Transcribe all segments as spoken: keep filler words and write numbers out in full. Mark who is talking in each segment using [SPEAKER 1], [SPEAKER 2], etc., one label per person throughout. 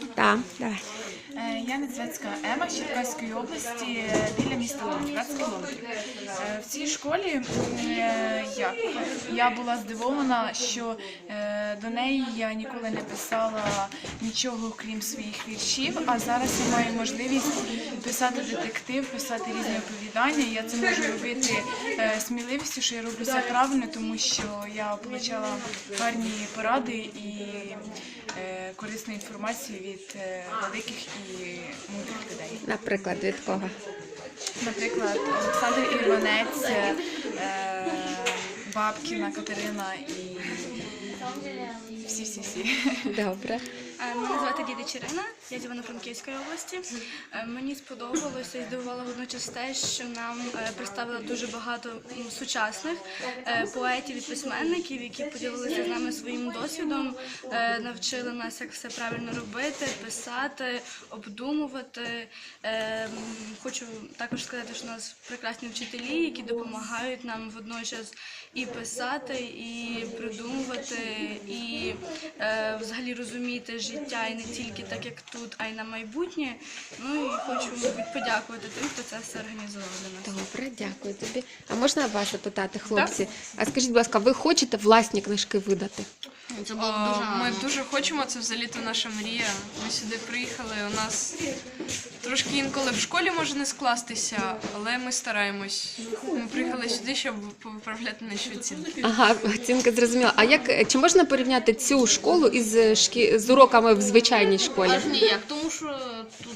[SPEAKER 1] Так, давай.
[SPEAKER 2] Е, Я Недзвецька Ема з Черкаської області, біля міста Луцьк, двадцять кілометрів. Е, В цій школі е, як? Я була здивована, що е, до неї я ніколи не писала нічого, крім своїх віршів, а зараз я маю можливість писати детектив, писати різні оповідання. Я це можу робити е, сміливістю, що я роблю все правильно, тому що я отримала гарні поради і е, корисну інформацію від е, великих і мудрих людей.
[SPEAKER 1] Наприклад, від кого?
[SPEAKER 2] Наприклад, Олександр Ірванець, е, Бабкіна Катерина і всі-всі-всі.
[SPEAKER 1] Добре.
[SPEAKER 3] Мене звати Діда Чирина, я з Івано-Франківської області. Мені сподобалося і здивувало водночас те, що нам представили дуже багато сучасних поетів і письменників, які поділилися з нами своїм досвідом, навчили нас, як все правильно робити, писати, обдумувати. Хочу також сказати, що у нас прекрасні вчителі, які допомагають нам водночас і писати, і придумувати, і взагалі розуміти життя і не тільки так, як тут, а й на майбутнє. Ну і хочу, мабуть, подякувати тим, хто це все організував для нас.
[SPEAKER 1] Добре, дякую тобі. А можна вас запитати, хлопці? А скажіть, будь ласка, ви хочете власні книжки видати?
[SPEAKER 4] Це було б дуже Ми дуже хочемо, це взагалі-то наша мрія. Ми сюди приїхали, у нас трошки інколи в школі може не скластися, але ми стараємось. Ми приїхали сюди, щоб виправляти наші оцінки.
[SPEAKER 1] Ага, оцінка зрозуміла. А як, чи можна порівняти цю школу із шкі... з уроками в звичайній школі?
[SPEAKER 5] Аж ніяк, тому що тут,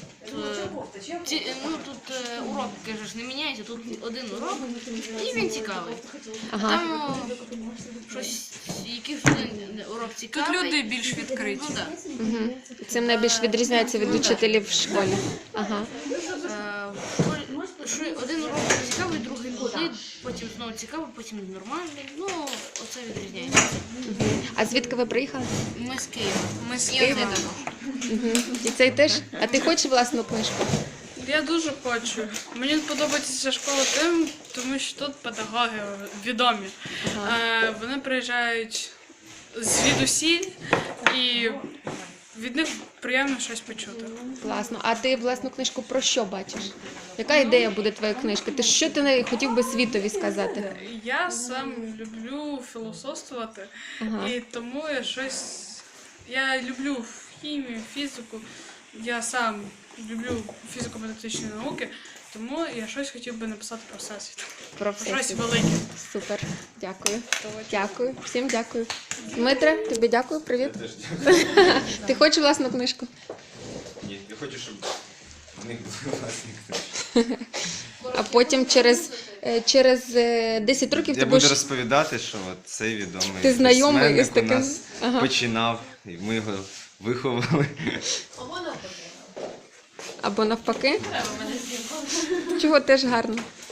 [SPEAKER 5] е, ці, ну, тут е, урок, кажеш, не міняється, тут один урок, і він цікавий.
[SPEAKER 1] Ага.
[SPEAKER 5] Там е, щось, якийсь один урок
[SPEAKER 4] Тут
[SPEAKER 5] цікавий.
[SPEAKER 4] люди більш відкриті.
[SPEAKER 5] Ну, да.
[SPEAKER 1] Угу. Цим найбільш відрізняється від учителів в школі. Ага.
[SPEAKER 5] Е, в школі, що один урок цікавий, другий нудний, потім знову цікавий, потім нормальний. Ну, оце відрізняється.
[SPEAKER 1] Угу. А звідки ви приїхали?
[SPEAKER 5] Ми з Києва.
[SPEAKER 4] Ми з
[SPEAKER 5] І
[SPEAKER 4] Києва.
[SPEAKER 5] оце також.
[SPEAKER 1] Угу. І цей теж? А ти хочеш власну книжку?
[SPEAKER 6] Я дуже хочу. Мені подобається ця школа тим, тому що тут педагоги відомі.
[SPEAKER 1] Ага.
[SPEAKER 6] Е, вони приїжджають звідусіль і від них приємно щось почути.
[SPEAKER 1] Класно. А ти власну книжку про що бачиш? Яка ідея буде твоєї книжки? Ти що ти не хотів би світові сказати?
[SPEAKER 6] Я сам люблю філософствувати,
[SPEAKER 1] Ага.
[SPEAKER 6] і тому я щось. Я люблю хімію, фізику. Я сам люблю фізико-математичні науки, тому я щось хотів би написати про всесвіт.
[SPEAKER 1] Про
[SPEAKER 6] Щось
[SPEAKER 1] всесвіт.
[SPEAKER 6] велике.
[SPEAKER 1] Супер. Дякую. Дякую. Всім дякую. Дмитре, тобі дякую. Привіт. Ти хочеш власну книжку?
[SPEAKER 7] Ні, я хочу, щоб в них були власні книжки.
[SPEAKER 1] А потім через, е, через е, десять років
[SPEAKER 7] Я
[SPEAKER 1] ти
[SPEAKER 7] буду
[SPEAKER 1] будеш...
[SPEAKER 7] розповідати, що от цей відомий
[SPEAKER 1] Ти знайомий із
[SPEAKER 7] письменник
[SPEAKER 1] таким?
[SPEAKER 7] у нас
[SPEAKER 1] Ага.
[SPEAKER 7] починав, і ми його виховали.
[SPEAKER 1] Або навпаки. Чого теж гарно.